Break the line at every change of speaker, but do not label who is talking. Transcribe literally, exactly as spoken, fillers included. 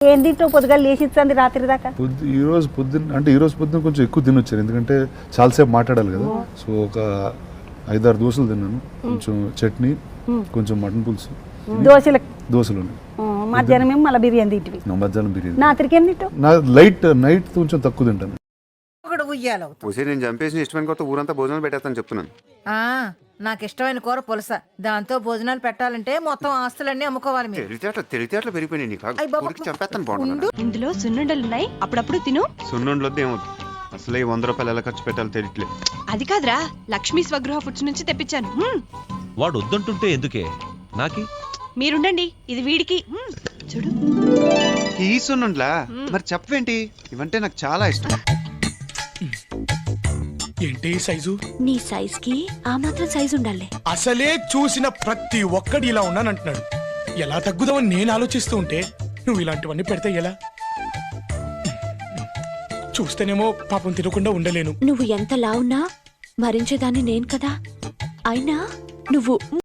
ఏం తింటావు పొద్దుగా లేచి ఇచ్చింది రాత్రి దాకా?
పొద్దు ఈ రోజు పొద్దున్న అంటే ఈ రోజు పొద్దున్న కొంచెం ఎక్కువ తినొచ్చారు, ఎందుకంటే చాలాసేపు మాట్లాడాలి కదా. సో ఒక ఐదారు దోశలు తిన్నాను, కొంచెం చట్నీ, కొంచెం మటన్ పులుసు,
దోశలు
దోశలు ఉన్నాయి.
మధ్యాహ్నం మేము మళ్ళీ బిర్యానీ తింటివి.
మధ్యాహ్నం బిర్యానీ.
రాత్రికి ఏం తింటావు?
నా లైట్ నైట్ కొంచెం తక్కువ తింటాను.
ఉసే నేను చంపేసి ఇష్టమైన కొత్త ఊరంతా భోజనాలు పెట్టేస్తాను చెప్తున్నాను.
నాకు ఇష్టమైన కూర పులస, దాంతో భోజనాలు పెట్టాలంటే మొత్తం ఆస్తులన్నీ అమ్ముకోవాలి మీరు.
తెలివితేటలు తెలివితేటలు పెరిగిపోయినాయి నీకు. ఊరికి చంపేస్తాను బాగుంటుంది.
ఇందులో సున్నుండలున్నాయి, అప్పుడప్పుడు తిను.
సున్నుండలొద్దు ఏమవుతుంది, అసలు ఈ వంద రూపాయలు ఎలా ఖర్చు పెట్టాలో తెలియట్లేదు.
అది కాదురా, లక్ష్మీ స్వగృహ ఫుడ్స్ నుంచి తెప్పించాను.
వాడు వద్దంటుంటే ఎందుకే నాకి?
మీరుండండి, ఇది వీడికి. చూడు
ఈ సున్నుండ్లా? మరి చెప్పవేంటి, ఇవంటే నాకు చాలా ఇష్టం.
ఏంటి సైజు?
నీ సైజ్ కి ఆ మాత్రం సైజు ఉండాలి.
అసలే చూసిన ప్రతి ఒక్కడు ఇలా ఉన్నానంటున్నాడు. ఎలా తగ్గుదామని నేను ఆలోచిస్తూ ఉంటే నువ్వు ఇలాంటివన్నీ పెడితే ఎలా? చూస్తేనేమో పాపం తినకుండా ఉండలేను.
నువ్వు ఎంత లావున్నా భరించేదాన్ని నేను కదా. అయినా నువ్వు